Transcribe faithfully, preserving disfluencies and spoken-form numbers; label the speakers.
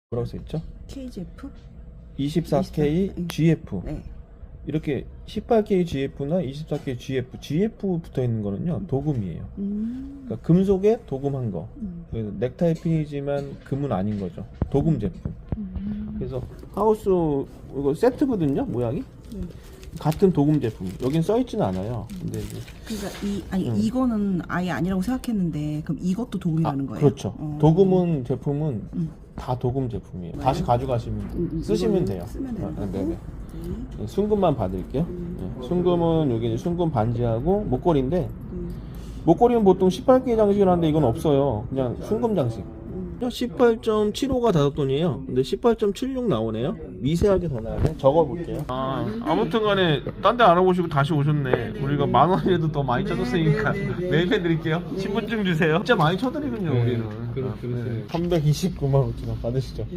Speaker 1: 뭐라고 써있죠?
Speaker 2: 케이지에프?
Speaker 1: 이십사 케이
Speaker 2: 네.
Speaker 1: 지에프.
Speaker 2: 네.
Speaker 1: 이렇게 십팔 케이 지에프나 이십사 케이 지에프, 지에프 붙어 있는 거는요 도금이에요.
Speaker 2: 음.
Speaker 1: 그러니까 금속에 도금한 거.
Speaker 2: 음.
Speaker 1: 그래서 넥타이 핀이지만 금은 아닌 거죠. 도금 제품.
Speaker 2: 음.
Speaker 1: 그래서 하우스 이거 세트거든요, 모양이.
Speaker 2: 네.
Speaker 1: 같은 도금 제품. 여긴 써 있지는 않아요. 근데 이제
Speaker 2: 그러니까 이 아니
Speaker 1: 음.
Speaker 2: 이거는 아예 아니라고 생각했는데 그럼 이것도 도금이라는
Speaker 1: 아,
Speaker 2: 거예요?
Speaker 1: 그렇죠.
Speaker 2: 어.
Speaker 1: 도금은 제품은
Speaker 2: 음.
Speaker 1: 다 도금 제품이에요.
Speaker 2: 네.
Speaker 1: 다시 가져가시면
Speaker 2: 음, 음,
Speaker 1: 쓰시면
Speaker 2: 이거는
Speaker 1: 돼요.
Speaker 2: 쓰면 되는
Speaker 1: 아,
Speaker 2: 거고.
Speaker 1: 네네.
Speaker 2: 네.
Speaker 1: 네, 순금만 받을게요. 네, 순금은 여기 이제 순금 반지하고 목걸이인데
Speaker 2: 음.
Speaker 1: 목걸이는 보통 십팔 케이 장식을 하는데 이건 없어요. 그냥 순금 장식. 십팔 점 칠오가 다섯돈이에요. 근데 십팔 점 칠육 나오네요. 미세하게 더 나네. 적어볼게요. 아, 아무튼 간에 딴 데 알아보시고 다시 오셨네. 우리가 만 원이라도 더 많이 쳐줬으니까 매입해 드릴게요. 신분증 주세요. 진짜 많이 쳐드리군요, 우리는.
Speaker 3: 그렇- 그렇죠.
Speaker 1: 삼백이십구만 오천 원 받으시죠.